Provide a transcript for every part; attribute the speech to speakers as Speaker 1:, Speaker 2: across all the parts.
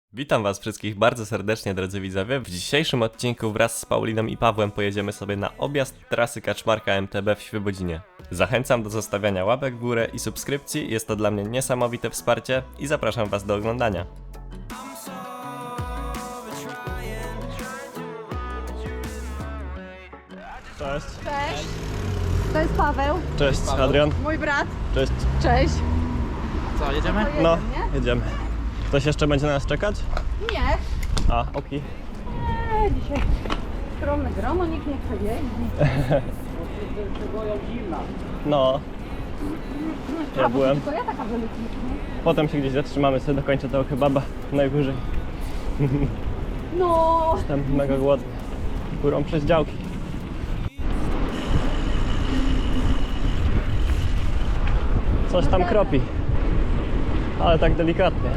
Speaker 1: Witam was wszystkich bardzo serdecznie, drodzy widzowie. W dzisiejszym odcinku wraz z Pauliną i Pawłem pojedziemy sobie na objazd trasy Kaczmarka MTB w Świebodzinie. Zachęcam do zostawiania łapek w górę i subskrypcji, jest to dla mnie niesamowite wsparcie i zapraszam was do oglądania. Cześć.
Speaker 2: Cześć, to jest Paweł,
Speaker 1: Cześć, Adrian.
Speaker 2: mój brat.
Speaker 1: Cześć.
Speaker 2: Cześć.
Speaker 3: Co, jedziemy?
Speaker 2: To
Speaker 1: No,
Speaker 2: nie?
Speaker 1: jedziemy. Ktoś jeszcze będzie na nas czekać?
Speaker 2: Nie.
Speaker 1: A, okej.
Speaker 2: Dzisiaj skromne grono, nikt nie chce jeździć.
Speaker 3: Boją zimna.
Speaker 1: No, ja
Speaker 2: A, bo
Speaker 1: byłem.
Speaker 2: tylko ja taka wylecisz,
Speaker 1: Potem się gdzieś zatrzymamy, sobie dokończę tego kebaba najwyżej.
Speaker 2: No.
Speaker 1: Jestem mega głodny. Górą przez działki. Coś tam kropi. Ale tak delikatnie.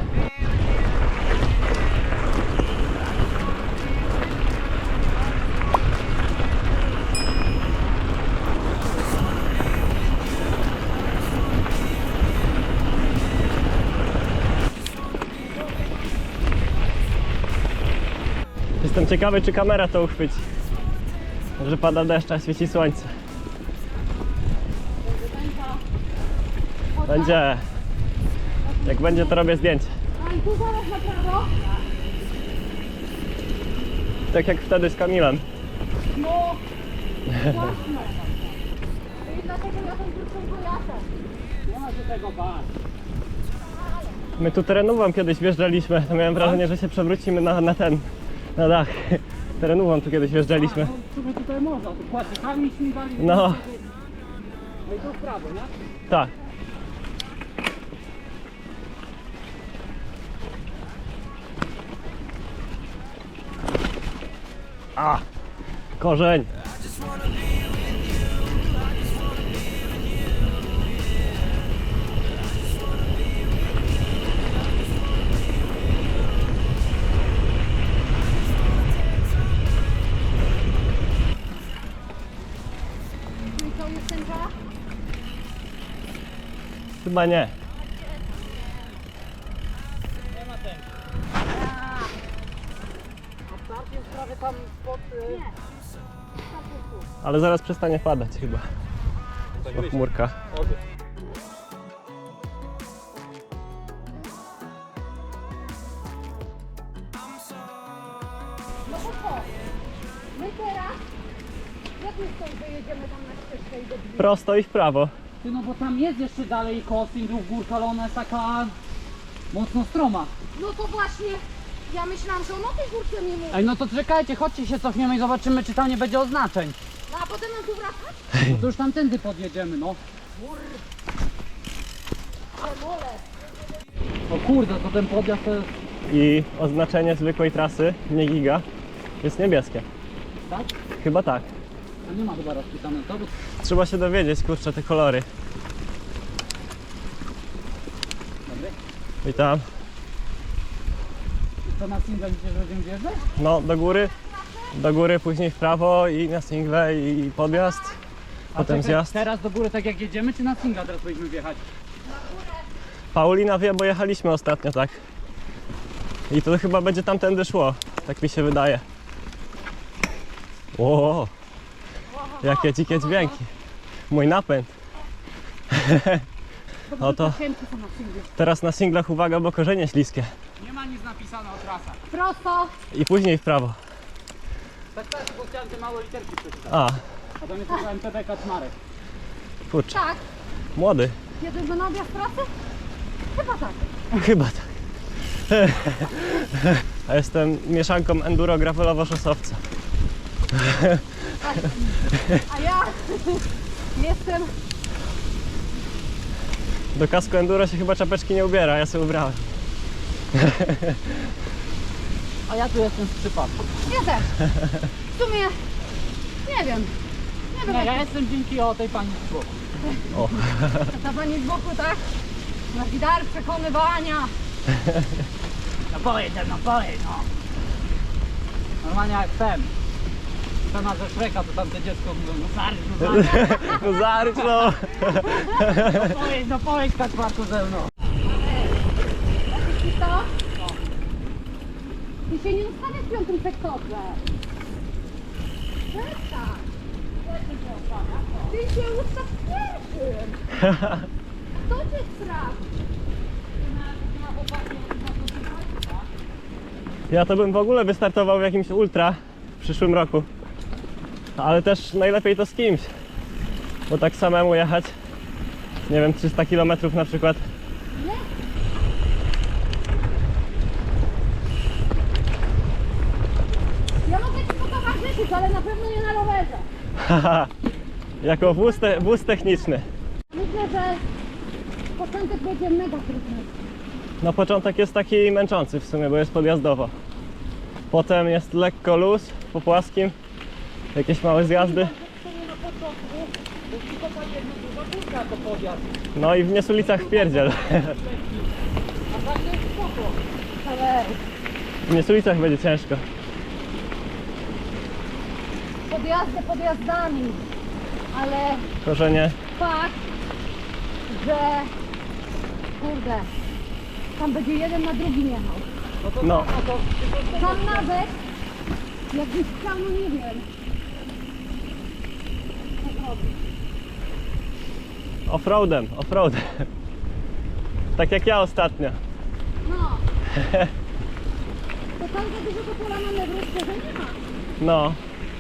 Speaker 1: Jestem ciekawy, czy kamera to uchwyci. Że pada deszcz, a świeci słońce. Będzie. Jak będzie, to robię zdjęcie.
Speaker 2: A i tu zaraz na prawo.
Speaker 1: Tak jak wtedy z Kamilem.
Speaker 2: No. Właśnie. I dlatego ja tą krótką pojadę.
Speaker 3: Nie ma się tego bać.
Speaker 1: My tu terenówą kiedyś wjeżdżaliśmy, to miałem wrażenie, że się przewrócimy na dach. Terenówą tu kiedyś wjeżdżaliśmy.
Speaker 3: No, w sumie tutaj można, tu płatnikami śmigali.
Speaker 1: No.
Speaker 3: No i to w prawo, nie?
Speaker 1: Tak. A! Korzeń!
Speaker 2: I to jest ten czas?
Speaker 1: Chyba nie.
Speaker 3: Nie ma tego. A start jest prawie tam pod...
Speaker 1: Ale zaraz przestanie padać chyba. Bo chmurka.
Speaker 2: No bo co? My teraz, jak my stąd wyjedziemy tam na ścieżkę i do drzwi?
Speaker 1: Prosto i w prawo.
Speaker 3: Ty, no bo tam jest jeszcze dalej Kosting, górka, ale ona jest taka mocno stroma.
Speaker 2: No to właśnie, ja myślałam, że on o tej górce mi mówi.
Speaker 3: Ej, no to czekajcie, chodźcie się cofniemy i zobaczymy, czy tam nie będzie oznaczeń.
Speaker 2: No a potem mam tu wracać?
Speaker 3: No to już tamtędy podjedziemy, no.
Speaker 2: Demole.
Speaker 3: O kurde, to ten podjazd to jest...
Speaker 1: I oznaczenie zwykłej trasy, nie giga, jest niebieskie.
Speaker 3: Tak?
Speaker 1: Chyba tak.
Speaker 3: A nie ma chyba rozpisane to, bo...
Speaker 1: Trzeba się dowiedzieć, kurczę, te kolory.
Speaker 3: Dobry.
Speaker 1: Witam.
Speaker 3: To na single myślisz, że będziemy wjeżdżać?
Speaker 1: No, do góry, później w prawo i na single i podjazd. Potem
Speaker 3: czekaj,
Speaker 1: zjazd.
Speaker 3: Teraz do góry tak jak jedziemy, czy na singla teraz powinniśmy wjechać?
Speaker 1: Paulina wie, bo jechaliśmy ostatnio, tak. I to chyba będzie tamtędy szło, tak mi się wydaje. O, jakie dzikie dźwięki. Mój napęd. Oto
Speaker 2: Cienki są na singlu.
Speaker 1: teraz na singlach uwaga, bo korzenie śliskie.
Speaker 3: Nie ma nic napisane o trasach.
Speaker 2: Prosto.
Speaker 1: I później w prawo.
Speaker 3: Tak, bo chciałem te małe literki przeczytać.
Speaker 1: A,
Speaker 3: A tam jest tylko MTB Kaczmarek.
Speaker 1: kurczę,
Speaker 2: Tak.
Speaker 1: młody.
Speaker 2: Jedziesz do na objazd pracy? Chyba tak.
Speaker 1: Chyba tak. A jestem mieszanką enduro gravelowo-szosowca.
Speaker 2: A ja jestem...
Speaker 1: Do kasku enduro się chyba czapeczki nie ubiera, ja sobie ubrałem.
Speaker 3: A ja tu jestem z przypadku.
Speaker 2: Ja też. W sumie... Nie wiem. Nie wiem,
Speaker 3: Nie, ja
Speaker 2: jak
Speaker 3: jestem dzięki o tej pani z boku.
Speaker 1: O,
Speaker 2: ta pani z boku, tak? Masz dar przekonywania.
Speaker 3: No pojedź, no. Normalnie jak ten. Scena ze Shreka, to tam te dziecko mówią, no zarycz,
Speaker 1: no zarycz, no.
Speaker 3: no pojedź Kaczmarku ze mną.
Speaker 2: I to? Ty się nie ustawiasz w piątym sektorze. Przestań. Ty się ustaw w pierwszym. Kto cię sprawdzi?
Speaker 1: Ja to bym w ogóle wystartował w jakimś ultra w przyszłym roku. Ale też najlepiej to z kimś. Bo tak samemu jechać, nie wiem, 300 km na przykład.
Speaker 2: Nie? Ja mogę ci potowarzyszyć, ale na pewno nie na rowerze.
Speaker 1: Haha, jako wóz techniczny.
Speaker 2: Myślę, że początek będzie mega trudny.
Speaker 1: No początek jest taki męczący w sumie, bo jest podjazdowo. Potem jest lekko luz po płaskim, jakieś małe zjazdy.
Speaker 3: To nie na początku, bo tylko tak jedna duża górka to podjazd.
Speaker 1: No i w Niesulicach wpierdziel.
Speaker 3: A tak to jest spoko.
Speaker 2: Ale
Speaker 1: W Niesulicach będzie ciężko.
Speaker 2: podjazdy podjazdami. Ale
Speaker 1: Korzenie.
Speaker 2: fakt, że kurde, tam będzie jeden na drugim jechał.
Speaker 1: No.
Speaker 2: Tam nawet jakbyś chciał, no nie wiem. Co zrobić?
Speaker 1: Offroadem. Tak jak ja ostatnio.
Speaker 2: No. To tam za dużego pola manewru szczerze nie ma.
Speaker 1: No.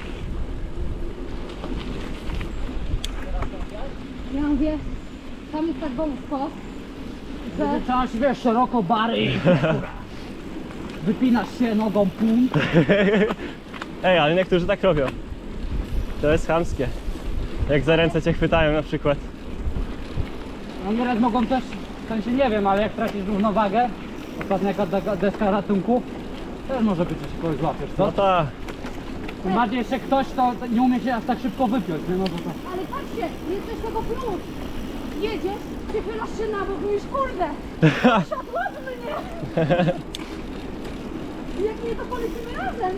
Speaker 2: Ja mówię, tam jest tak wąsko, że
Speaker 3: Trzeba się, wiesz, szeroko bary i wypinasz się nogą pum.
Speaker 1: Ej, ale niektórzy tak robią. To jest chamskie. Jak za ręce cię chwytają na przykład.
Speaker 3: No nieraz mogą też, w sensie nie wiem, ale jak tracisz równowagę, ostatnia jaka deska ratunku, też może być, że się kogoś złapiesz, co?
Speaker 1: No tak.
Speaker 3: Tym bardziej jeszcze ktoś, to nie umie się aż tak szybko wypiąć, nie? No bo to...
Speaker 2: ale patrzcie, jest też tego plus. Jedziesz, przychylasz się na bok, mówisz kurde, siadłabmy mnie. Jak nie, to polecimy razem.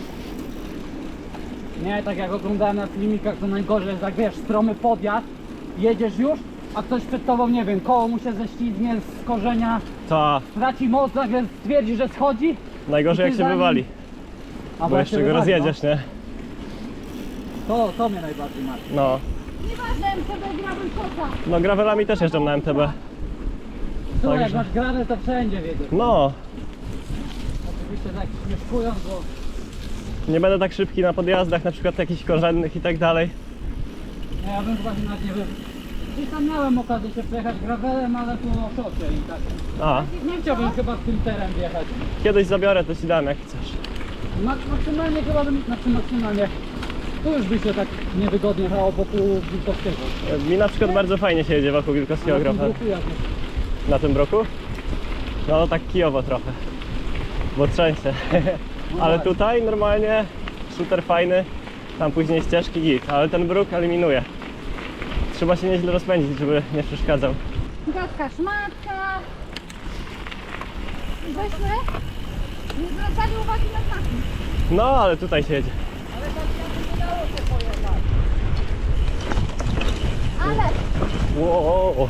Speaker 3: Nie, tak jak oglądałem na filmikach, to najgorzej jest, jak wiesz, stromy podjazd, jedziesz już, a ktoś przed tobą, nie wiem, koło mu się ześlizgnie z korzenia,
Speaker 1: Ta.
Speaker 3: traci moc, nagle stwierdzi, że schodzi.
Speaker 1: Najgorzej jak się wywali.
Speaker 3: A
Speaker 1: Bo jeszcze go rozjedziesz, nie?
Speaker 3: To mnie najbardziej martwi.
Speaker 1: No.
Speaker 2: Nieważne, MTB grałem koca.
Speaker 1: No gravelami też jeżdżą na MTB.
Speaker 3: To jak
Speaker 1: Także-
Speaker 3: masz gradę, to wszędzie wiedziesz.
Speaker 1: No.
Speaker 3: Oczywiście tak śmieszkując, bo
Speaker 1: Nie będę tak szybki na podjazdach, na przykład jakichś korzennych i tak dalej.
Speaker 3: no ja bym chyba nawet nie wiem. Gdzieś tam miałem okazję się przejechać gravelem, ale po szosie i tak.
Speaker 1: A,
Speaker 3: Nie chciałbym chyba w tym terem wjechać.
Speaker 1: kiedyś zabiorę, to ci dam jak chcesz.
Speaker 3: Maksymalnie chyba bym, znaczy maksymalnie, tu już by się tak niewygodnie jechało wokół Wilkowskiego.
Speaker 1: Mi na przykład bardzo fajnie się jedzie wokół Wilkowskiego
Speaker 3: Na tym
Speaker 1: Grofa.
Speaker 3: bruku jak jest.
Speaker 1: Na tym broku? No tak kijowo trochę. Bo trzęsie. Ale tutaj normalnie shooter fajny. Tam później ścieżki git, ale ten bruk eliminuje. Trzeba się nieźle rozpędzić, żeby nie przeszkadzał.
Speaker 2: Gadka szmatka. Weźmy, nie zwracali uwagi na znaki.
Speaker 1: No ale tutaj się jedzie.
Speaker 2: Ale
Speaker 1: Wow.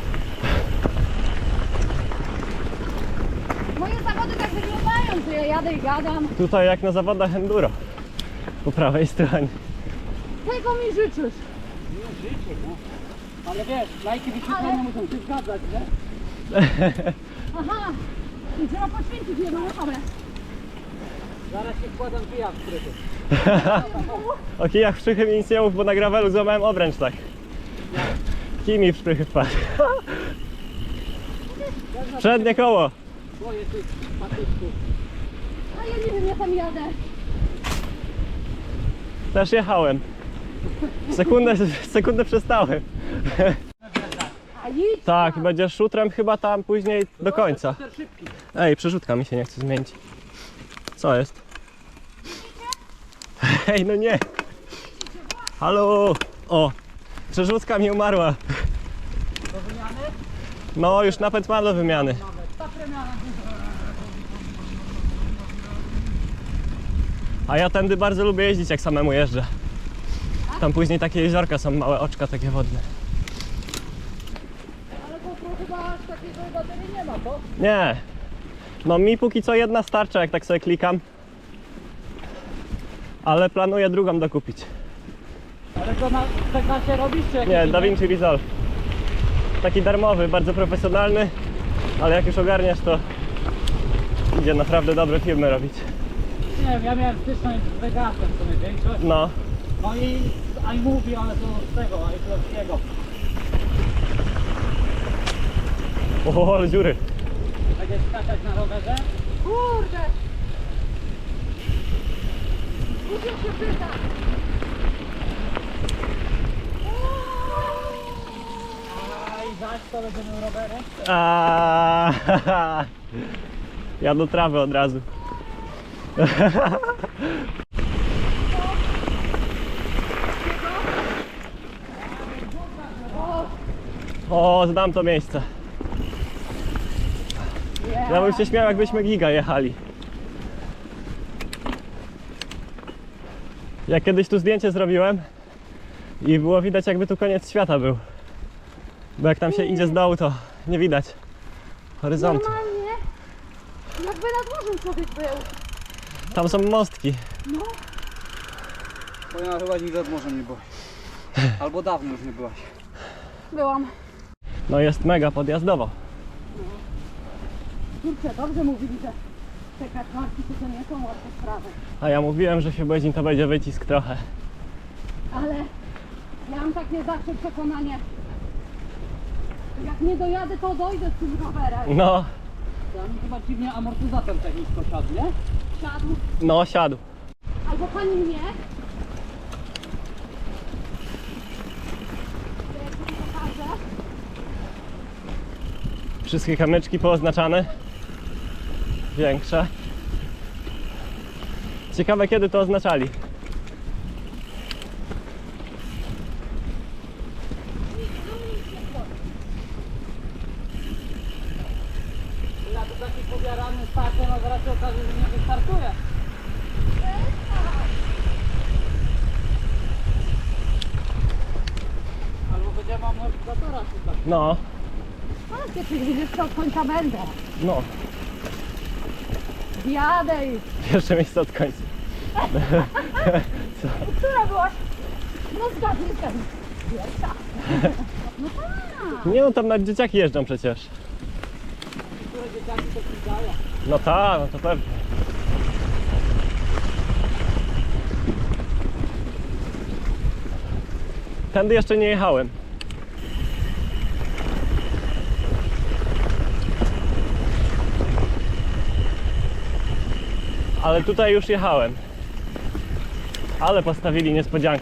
Speaker 2: moje zawody tak wyglądają, że ja jadę i gadam.
Speaker 1: Tutaj jak na zawodach enduro. Po prawej stronie.
Speaker 2: Tego mi życzysz.
Speaker 3: Ale wiesz, lajki wyświetlone muszą się zgadzać, nie?
Speaker 2: Aha, i trzeba poświęcić jedną osobę.
Speaker 3: Zaraz się wkładam kijak w strychu.
Speaker 1: O kijach w szprychy mi nic nie mów, bo na gravelu złamałem obręcz tak. Kij mi w szprychy wpadł. Przednie koło.
Speaker 3: Boję tych patyczków.
Speaker 2: A ja nie wiem, ja tam jadę.
Speaker 1: Też jechałem. Sekundę przestałem.
Speaker 2: A idź
Speaker 1: Tak, będziesz szutrem chyba tam później do końca.
Speaker 3: Super szybki.
Speaker 1: Ej, przerzutka mi się nie chce zmienić. Co jest? Ej, no nie. Halo. O, przerzutka mi umarła.
Speaker 3: Do wymiany?
Speaker 1: No, już napęd mam do wymiany.
Speaker 3: Ta premiana.
Speaker 1: A ja tędy bardzo lubię jeździć, jak samemu jeżdżę. Tam później takie jeziorka są, małe oczka takie wodne.
Speaker 3: Ale to chyba aż takiego baterii nie ma, to?
Speaker 1: Nie. No mi póki co jedna starcza, jak tak sobie klikam. Ale planuję drugą dokupić.
Speaker 3: Ale to na Teknasie robisz czy jakiś
Speaker 1: Nie,
Speaker 3: inny?
Speaker 1: DaVinci Resolve. Taki darmowy, bardzo profesjonalny, ale jak już ogarniasz, to idzie naprawdę dobre filmy robić.
Speaker 3: Nie wiem, ja miałem styczność z Vegasem w sumie większość.
Speaker 1: No,
Speaker 3: No i z iMovie, ale to z tego, iCloud'skiego.
Speaker 1: o, ale dziury.
Speaker 3: Będziesz skakać na rowerze?
Speaker 2: Kurde! Muszę się pytać.
Speaker 3: A i zaś to będziemy rowerem?
Speaker 1: A, ja do trawy od razu. O, znam to miejsce. Ja bym się śmiał, jakbyśmy giga jechali. Ja kiedyś tu zdjęcie zrobiłem i było widać, jakby tu koniec świata był. Bo jak tam się idzie z dołu, to nie widać horyzontu.
Speaker 2: Normalnie, jakby nad morzem człowiek był.
Speaker 1: Tam są mostki.
Speaker 2: No,
Speaker 3: Bo chyba nigdy nad morzem nie byłaś. Albo dawno już nie byłaś.
Speaker 2: byłam.
Speaker 1: No jest mega podjazdowo.
Speaker 2: Kurczę, dobrze mówili, że te kaczmarki to nie są łatwe sprawy.
Speaker 1: A ja mówiłem, że Świebodzin to będzie wycisk trochę.
Speaker 2: Ale ja mam takie zawsze przekonanie, jak nie dojadę, to dojdę z tym rowerem.
Speaker 1: No,
Speaker 3: Tam chyba dziwnie amortyzator tak nisko siadł, nie?
Speaker 2: Siadł.
Speaker 1: no siadł.
Speaker 2: Albo pani mnie. To jak ci pokażę.
Speaker 1: Wszystkie kamyczki pooznaczane. Większe. Ciekawe, kiedy to oznaczali.
Speaker 3: Ja tu taki pobiarany starcie, no zaraz się okaże, że nie wystartuje. Albo będziemy amortyzatora szukać.
Speaker 1: No,
Speaker 2: Ale ty widzisz, co od końca będę.
Speaker 1: no.
Speaker 2: Jadę już.
Speaker 1: Pierwsze miejsce od końca.
Speaker 2: Która byłaś? No zgadnij. Pierwsza. No tak.
Speaker 1: Nie no, tam nawet dzieciaki jeżdżą przecież.
Speaker 3: Które dzieciaki to przydają.
Speaker 1: No tak, no to pewnie. Tędy jeszcze nie jechałem. Ale tutaj już jechałem. Ale postawili niespodziankę.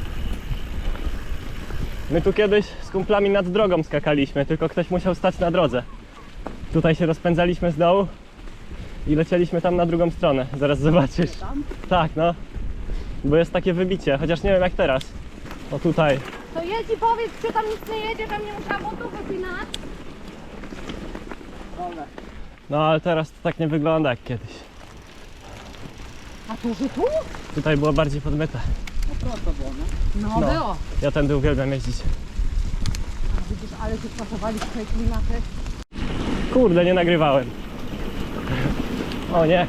Speaker 1: My tu kiedyś z kumplami nad drogą skakaliśmy, tylko ktoś musiał stać na drodze. Tutaj się rozpędzaliśmy z dołu i lecieliśmy tam na drugą stronę. Zaraz zobaczysz.
Speaker 3: Tam?
Speaker 1: Tak, no. Bo jest takie wybicie, chociaż nie wiem jak teraz. O tutaj.
Speaker 2: To jedź i powiedz, czy tam nic nie jedzie, bym nie musiała butów wypinać.
Speaker 3: Dobra.
Speaker 1: No ale teraz to tak nie wygląda jak kiedyś.
Speaker 2: A to, że tu?
Speaker 1: Tutaj było bardziej podmyte.
Speaker 3: No prosto było, nie?
Speaker 2: No,
Speaker 1: No.
Speaker 2: było.
Speaker 1: Ja tędy uwielbiam jeździć.
Speaker 2: A widzisz, ale się spasowali w tej klimaty.
Speaker 1: Kurde, nie nagrywałem. O nie.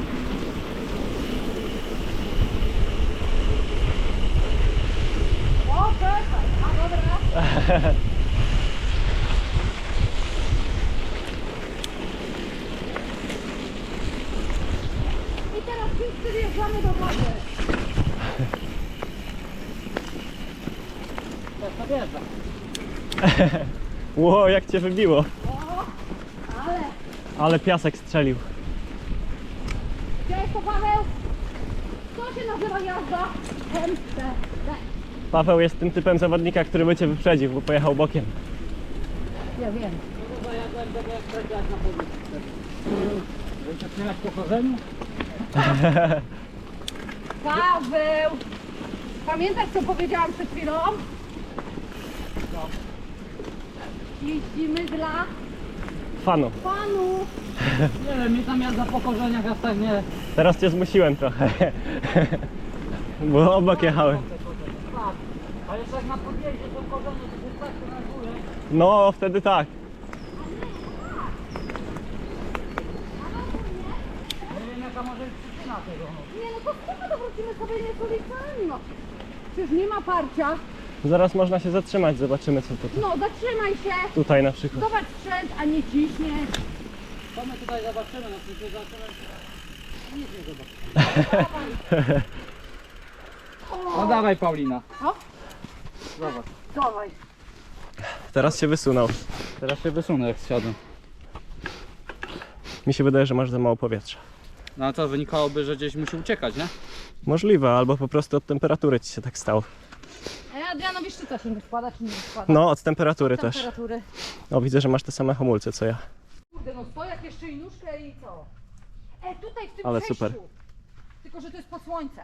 Speaker 2: O, czekaj, a dobra. I teraz wszyscy wjeżdżamy do wody.
Speaker 3: Też to wjeżdża.
Speaker 1: Ło, jak cię wybiło.
Speaker 2: O, ale
Speaker 1: Ale piasek strzelił.
Speaker 2: Cześć, to Paweł. Co się nazywa jazda? MTB.
Speaker 1: Paweł jest tym typem zawodnika, który by cię wyprzedził, bo pojechał bokiem.
Speaker 2: Ja wiem.
Speaker 3: No to zajadłem tego jak przejdziać na pozycji. Żeby się trzymać po korzeniu?
Speaker 2: Paweł! Pamiętasz, co powiedziałam przed chwilą? Jeździmy dla
Speaker 1: Fanu.
Speaker 2: panu.
Speaker 3: Nie wiem, mi tam jazda po korzeniach aż tak nie...
Speaker 1: Teraz cię zmusiłem trochę. Bo obok jechałem.
Speaker 3: Tak. A jeszcze jak na podjeździe to korzenie, to się tak denerwuje.
Speaker 1: No, wtedy tak.
Speaker 3: taka może być przyczyna tego. No.
Speaker 2: Nie no to spoko, to wrócimy sobie nie z ulicami, no. Przecież nie ma parcia.
Speaker 1: Zaraz można się zatrzymać, zobaczymy co to
Speaker 2: No zatrzymaj się.
Speaker 1: tutaj na przykład.
Speaker 2: Zobacz sprzęt, a nie ciśniesz.
Speaker 3: To my tutaj zobaczymy, no przecież zobaczymy. Nic nie zobaczymy. No dawaj Paulina.
Speaker 2: O,
Speaker 3: Zobacz.
Speaker 2: dawaj.
Speaker 1: Teraz się wysunął.
Speaker 3: Teraz się wysunę jak zsiadłem.
Speaker 1: Mi się wydaje, że masz za mało powietrza.
Speaker 3: No a to wynikałoby, że gdzieś musi uciekać, nie?
Speaker 1: Możliwe, albo po prostu od temperatury ci się tak stało.
Speaker 2: A Adrianowi szczyca się nie składa, czy nie składa?
Speaker 1: No, od temperatury też.
Speaker 2: Temperatury.
Speaker 1: O, widzę, że masz te same hamulce co ja.
Speaker 2: Kurde, no stojak jeszcze i nóżkę i co? Tutaj w tym
Speaker 1: Ale
Speaker 2: przejściu.
Speaker 1: super.
Speaker 2: Tylko, że to jest pod słońce.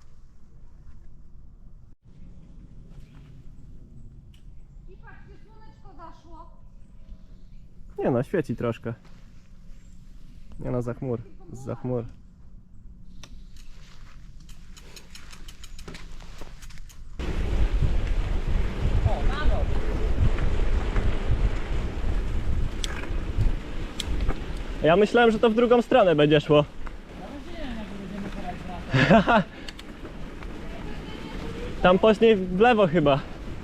Speaker 2: I patrzcie, słoneczko zaszło.
Speaker 1: Nie no, świeci troszkę. Nie no, za chmur. Za chmur.
Speaker 3: O, na dół.
Speaker 1: Ja myślałem, że to w drugą stronę będzie szło. Tam później w lewo chyba.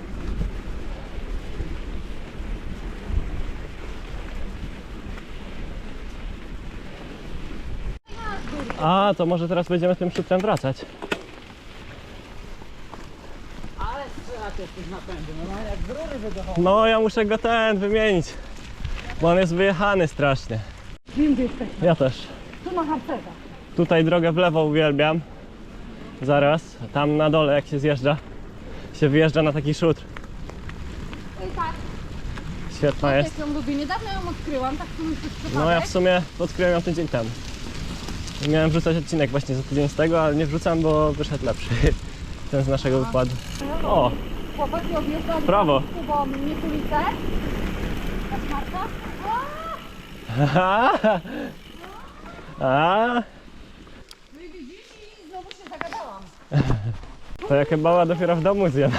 Speaker 1: A, to może teraz będziemy tym szutrem wracać.
Speaker 3: Ale strzelać jesteś napędu, no jak z rury wydochował.
Speaker 1: No, ja muszę go wymienić. Bo on jest wyjechany strasznie.
Speaker 2: Wiem, gdzie jesteśmy.
Speaker 1: Ja też.
Speaker 2: Tu na harcerza.
Speaker 1: Tutaj drogę w lewo uwielbiam. Zaraz, tam na dole jak się zjeżdża, się wyjeżdża na taki szutr.
Speaker 2: I tak,
Speaker 1: Świetna jest.
Speaker 2: jak ją lubię. Niedawno ją odkryłam, tak tu już przypadek.
Speaker 1: No ja w sumie odkryłem ją tydzień temu. Miałem wrzucać odcinek właśnie za tydzień z tego, ale nie wrzucam, bo wyszedł lepszy. Ten z naszego wykładu. O,
Speaker 2: Chłopaki objeżdżali
Speaker 1: Brawo.
Speaker 2: bo mnie ulicę. Kaczmarka.
Speaker 1: a,
Speaker 2: No i widzisz i znowu się zagadałam.
Speaker 1: to ja kebaba dopiero w domu zjem.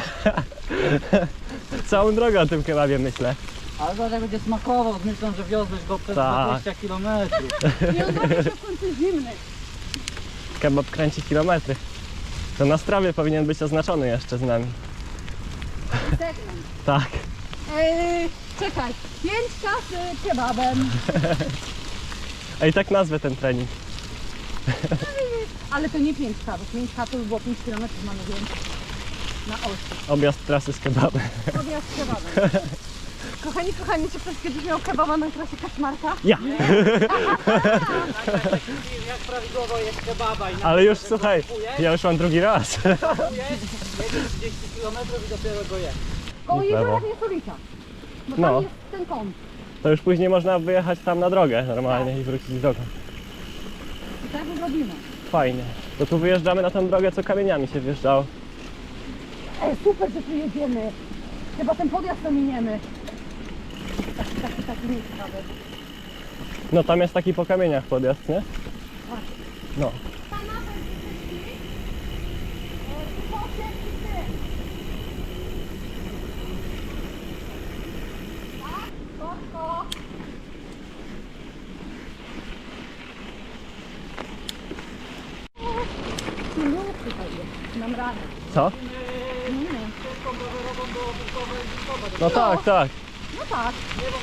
Speaker 1: Całą drogę o tym kebabie myślę.
Speaker 3: Ale to będzie smakował, myślę, że wiozłeś go przez
Speaker 1: Tak.
Speaker 3: 20 km.
Speaker 2: I on robi się w końcu zimny.
Speaker 1: Kebab kręci kilometry. To na strawie powinien być oznaczony jeszcze z nami.
Speaker 2: Segment.
Speaker 1: Tak.
Speaker 2: Czekaj, 5 kas kebabem.
Speaker 1: A i tak nazwę ten trening.
Speaker 2: Ale to nie 5 k, bo 5 k to już było 5 km mamy więcej. Na osi.
Speaker 1: Objazd trasy z kebabem.
Speaker 2: Objazd z kebabem. Kochani, czy ktoś kiedyś miał kebaba na trasie Kaczmarka?
Speaker 1: Ja!
Speaker 3: Jak prawidłowo jest kebaba i
Speaker 1: Ale już słuchaj, ja już mam drugi raz.
Speaker 3: jedziesz 30 km i dopiero go jesz.
Speaker 2: Koło
Speaker 1: I w lewo.
Speaker 2: jeziora nie Sulica. Bo
Speaker 1: No.
Speaker 2: tam jest ten kąt.
Speaker 1: To już później można wyjechać tam na drogę normalnie i wrócić drogą.
Speaker 2: I tak zrobimy.
Speaker 1: Fajnie. To tu wyjeżdżamy na tą drogę, co kamieniami się wjeżdżało.
Speaker 2: Super, że tu jedziemy. Chyba ten podjazd to miniemy. Taki nieciekawy.
Speaker 1: No tam jest taki po kamieniach podjazd, nie? No.
Speaker 2: Mam radę.
Speaker 1: Co? No tak, tak.
Speaker 2: No tak.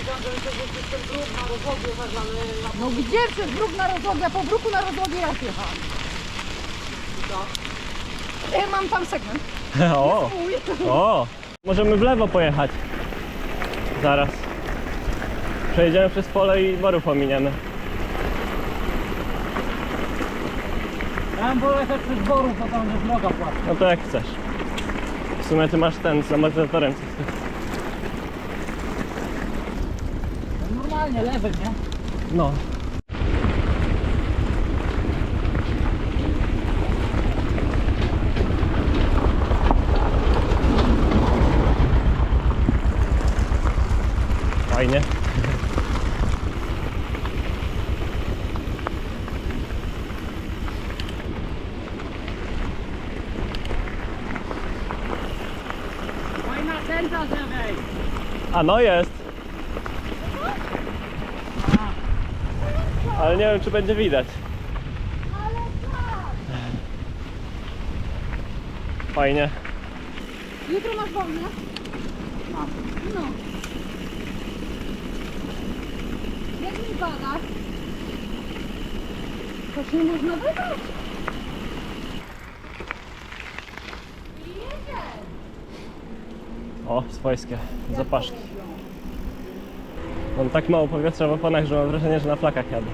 Speaker 2: No gdzie przez bruk na rozłogie? Ja po bruku na rozłogie raz jechałam. Ja mam tam segment.
Speaker 1: O! O! Możemy w lewo pojechać. Zaraz. Przejedziemy przez pole i borów ominiemy.
Speaker 3: Ja bym wolał jechać przez borów, bo tam jest droga płatna.
Speaker 1: No to jak chcesz. W sumie ty masz ten z amortyzatorem.
Speaker 3: Normalnie lewy, nie?
Speaker 1: No. Fajnie.
Speaker 3: Fajna tenta z lewej.
Speaker 1: A no jest. Ale nie wiem czy będzie widać.
Speaker 2: Ale
Speaker 1: Fajnie.
Speaker 2: Jutro masz wolne?
Speaker 3: Mam.
Speaker 2: No. Jak mi pada? To się można wybrać. I jedzie.
Speaker 1: O, swojskie zapaszki. Mam tak mało powietrza w oponach, że mam wrażenie, że na flakach jadę.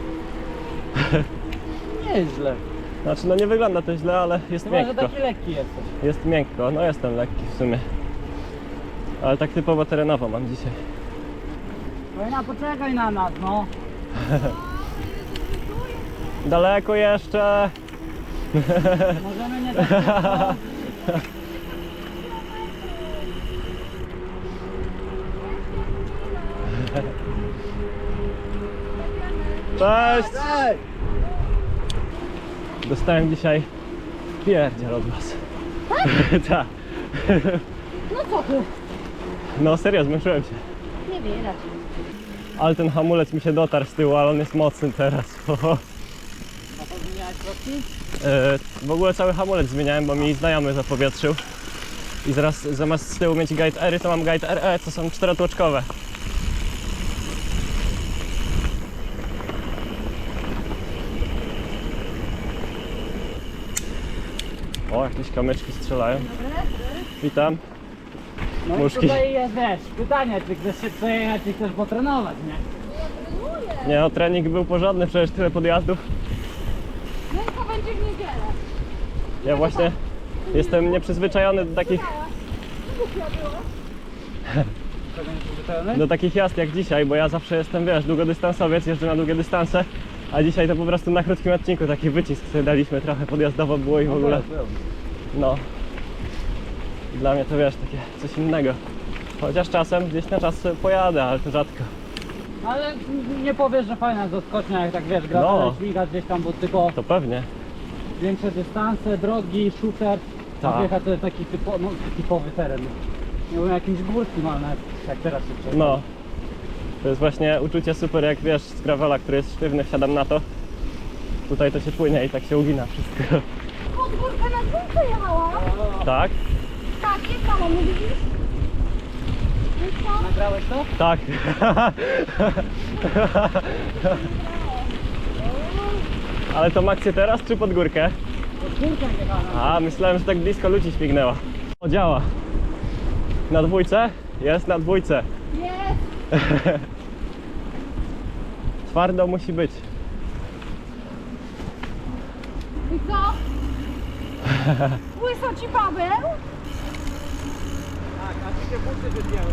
Speaker 3: Nieźle.
Speaker 1: Znaczy, no nie wygląda to źle, ale jest
Speaker 3: Chyba, że
Speaker 1: miękko.
Speaker 3: taki lekki jesteś.
Speaker 1: Jest miękko, no jestem lekki w sumie. Ale tak typowo terenowo mam dzisiaj.
Speaker 3: Wojna, poczekaj na nas, no.
Speaker 1: Daleko jeszcze!
Speaker 3: Możemy nie tak szybko.
Speaker 1: Cześć! Dostałem dzisiaj pierdziel od was. Tak.
Speaker 2: No co ty?
Speaker 1: No serio, zmęczyłem się.
Speaker 2: Nie widać.
Speaker 1: Ale ten hamulec mi się dotarł z tyłu, ale on jest mocny teraz.
Speaker 3: A to zmieniałeś środki?
Speaker 1: W ogóle cały hamulec zmieniałem, bo mi znajomy zapowietrzył. I zaraz zamiast z tyłu mieć Guide R, to mam Guide RE, co są czterotłoczkowe. O, jakieś kamyczki strzelają. Witam.
Speaker 3: No
Speaker 1: Muszki.
Speaker 3: i tutaj jest, wiesz, pytanie, czy chcesz się przejechać, czy chcesz potrenować, nie?
Speaker 1: Nie no, trening był porządny, przecież tyle podjazdów.
Speaker 2: Ręka będzie w niedzielę.
Speaker 1: Ja właśnie jestem nieprzyzwyczajony do takich,
Speaker 2: Głupia było.
Speaker 3: Czego nie przyzwyczajony?
Speaker 1: do takich jazd jak dzisiaj, bo ja zawsze jestem, wiesz, długodystansowiec, jeżdżę na długie dystanse, a dzisiaj to po prostu na krótkim odcinku taki wycisk sobie daliśmy, trochę podjazdowo było i w ogóle, no. Dla mnie to wiesz, takie coś innego. Chociaż czasem gdzieś na czas sobie pojadę, ale to rzadko.
Speaker 3: Ale nie powiesz, że fajna zaskocznia, jak tak wiesz, gravelem
Speaker 1: No.
Speaker 3: śmigać gdzieś tam, bo tylko
Speaker 1: To pewnie.
Speaker 3: większe dystanse, drogi, shooter.
Speaker 1: Tak.
Speaker 3: A wjechać to jest taki typowy teren. Nie wiem, jakimś górskim, ale nawet jak teraz się przejdzie.
Speaker 1: No. To jest właśnie uczucie super, jak wiesz, z gravela, który jest sztywny, wsiadam na to. Tutaj to się płynie i tak się ugina wszystko.
Speaker 2: Pod górkę na dwójkę jechałam.
Speaker 1: Tak?
Speaker 2: Tak, jechałam, nie widzisz? I co?
Speaker 3: Nagrałeś to?
Speaker 1: Tak. Ale to Maxie teraz czy pod górkę?
Speaker 3: Pod górkę jechana.
Speaker 1: A, myślałem, że tak blisko ludzi śmignęła. O, działa. Na dwójce? Jest na dwójce.
Speaker 2: Jest.
Speaker 1: Twardo musi być.
Speaker 2: I co? Łyso ci Paweł?
Speaker 3: Tak, a ci się buty wypięły.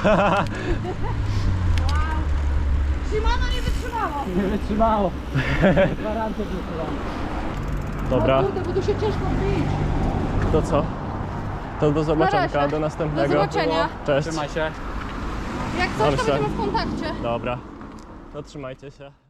Speaker 2: Wow. Shimano nie wytrzymało.
Speaker 3: Nie wytrzymało. Gwarancję wytrzymało.
Speaker 1: Dobra,
Speaker 2: O kurde, bo tu się ciężko wbić.
Speaker 1: to co? To do zobaczenia,
Speaker 2: razie.
Speaker 1: do następnego.
Speaker 2: Do zobaczenia.
Speaker 1: Cześć.
Speaker 3: Trzymaj się.
Speaker 2: Jak coś, to
Speaker 1: Dobrze.
Speaker 2: będziemy w kontakcie.
Speaker 1: Dobra. To trzymajcie się.